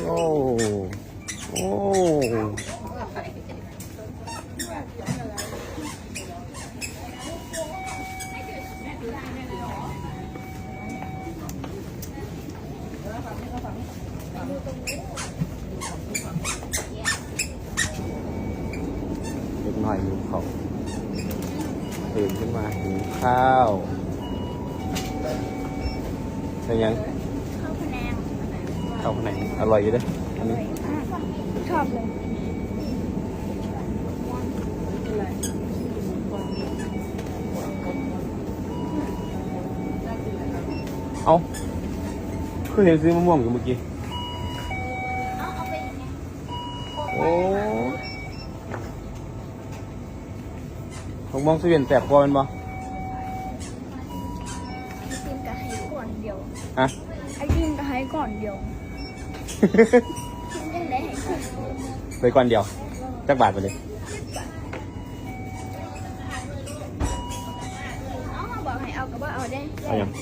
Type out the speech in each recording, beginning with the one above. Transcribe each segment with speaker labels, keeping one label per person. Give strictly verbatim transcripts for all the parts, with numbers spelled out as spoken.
Speaker 1: โอ้โอ้เล็กหน่อยหิวข้าวตื่นขึ้นมาหิวข้าวเป็นยังข้าวพะแนงข้าวพะแนงอร่อยอยู่เด้ออันนี้
Speaker 2: ชอบเลย
Speaker 1: เอาคือเห็นซื้อมะม่วงอยู่เมื่อกี้โอ้ผมมองสวีนแสบกว่ามันบ่
Speaker 2: ไอติมกะให้ก่อนเดียว
Speaker 1: อะ
Speaker 2: ไอติมกะให้ก่อนเดียวยังได้ให้ก่อน
Speaker 1: ไปก่อนเดียวจักบาทไปเลย
Speaker 2: เอามาบอกให้เอากับว่าเอาได้
Speaker 1: เอาอย่าง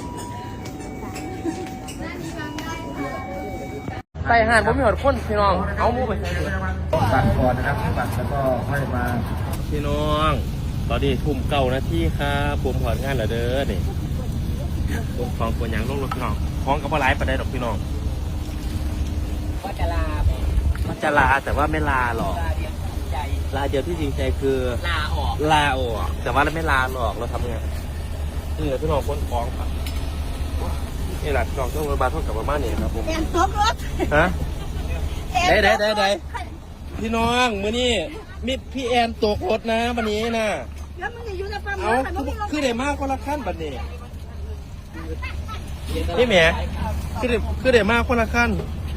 Speaker 1: ใส่ห่านผมมีหอดข้นพี่น้องเอาหมูไปตัดก่อนนะครับตัดแล้วก็ค่อยมาพี่น้องตอนนี้ทุ่มเก้านาทีครับผมถอดงานแล้วเด้อนี่ผมของตัวอย่างลงรถพี่น้องของกับว่าไลฟ์ไปได้หรอกพี่น้อง
Speaker 3: ว่าจะลา
Speaker 1: ว่าจะลาแต่ว่าไม่ลาหรอกลาเดียวที่จริงใจคือ
Speaker 3: ลาออก
Speaker 1: ลาออกแต่ว่าเราไม่ลาหรอกเราทำไงนี่แหละพี่น้องคนของครับนี่แหละพี่น้องต้องรถบัสเท่ากับประมาณนี้ครับผม
Speaker 2: แอนตกรถ
Speaker 1: ฮะได้ได้ได้ได้พี่น้องมื้อนี้มิดพี่แอนตกรถนะวันนี้นะ
Speaker 2: แล้วมึงจะอยู่ในปั๊ม
Speaker 1: เอาคือได้มากคนละขั้นบัดนี้นี่แหมคือได้คือได้มากคนละขั้น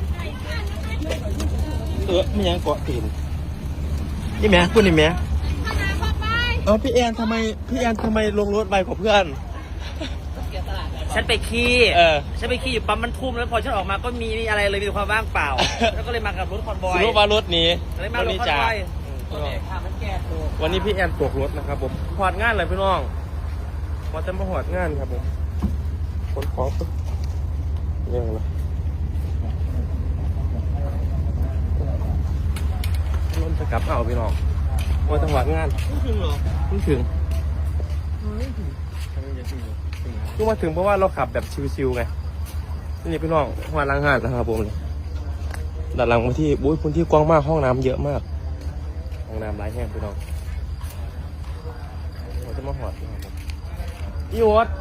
Speaker 1: เออไม่ยังเกาะตีนนี่แหมพูดนี่แหมเออพี่แอนทำไมพี่แอนทำไมลงรถไปกับเพื่อน
Speaker 3: ฉันไปขี้
Speaker 1: เออ
Speaker 3: ฉันไปขี้อยู่ปั๊มมันทุ่มแล้วพอฉันออกมาก็มีอะไรเลยมีความว่างเปล่าแล้วก็เลยมากับรถคอนบอย
Speaker 1: รู้ว่ารถนี้
Speaker 3: เลยมารถคอนบอย
Speaker 1: วันนี้พี่แอนตกรถนะครับผมหอดงานเลยพี่น้องมาจะมาหอดงานครับผมคนของเรื่องอะไรรถจะกลับเอาพี่น้องมาจังหวัดงาน
Speaker 3: ไม่ถึงหรอ
Speaker 1: ไม่ถึงคือมาถึงเพราะว่าเราขับแบบชิวๆไงนี่พี่น้องหอดล้างหาดนะครับผมเลยด้านหลังมาที่บุ้ยพื้นที่กว้างมากห้องน้ำเยอะมากห้องน้ำหลายแห่งพี่น้องเราจะมาหอดนะครับผมอีโอ๊ต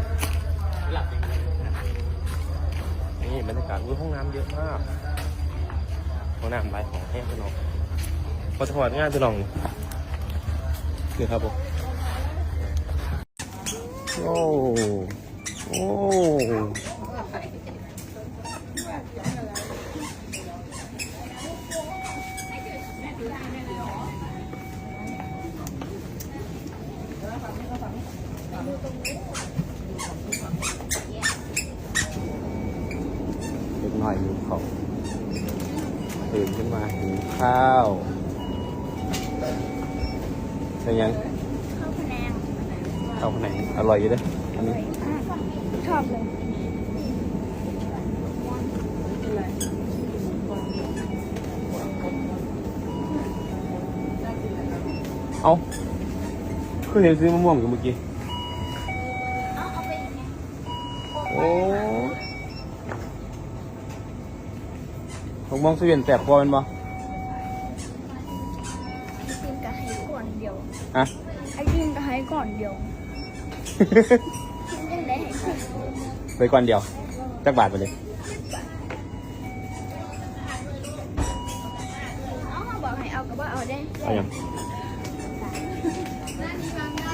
Speaker 1: นี่บรรยากาศห้องน้ำเยอะมากห้องน้ำหลายของแห้งพี่น้องพอจะหอดงานพี่น้องนี่ครับผมโอ้โอ้เล็กน้อยหิวข้าวตื่นขึ้นมาหิวข้าวเป็นยัง
Speaker 2: ข้าวพะแนง
Speaker 1: ข้าวพะแนงอร่อยอยู่เด้ออันนี้
Speaker 2: ชอบเลย
Speaker 1: เอาคือเห็นซื้อมะม่วงอยู่เมื่อกี้โอ้ผมมองสวีนแสบกว่ามันบ่
Speaker 2: ไอติมกะให้ก่อนเดียว
Speaker 1: อะ
Speaker 2: ไอติมกะให้ก่อนเดียวยังได้ให้ก่อน
Speaker 1: ไปก่อนเดียวจักบาทไปเลย
Speaker 2: เอามาบอกให้เอากับว่าเอาได้
Speaker 1: เอาอย่าง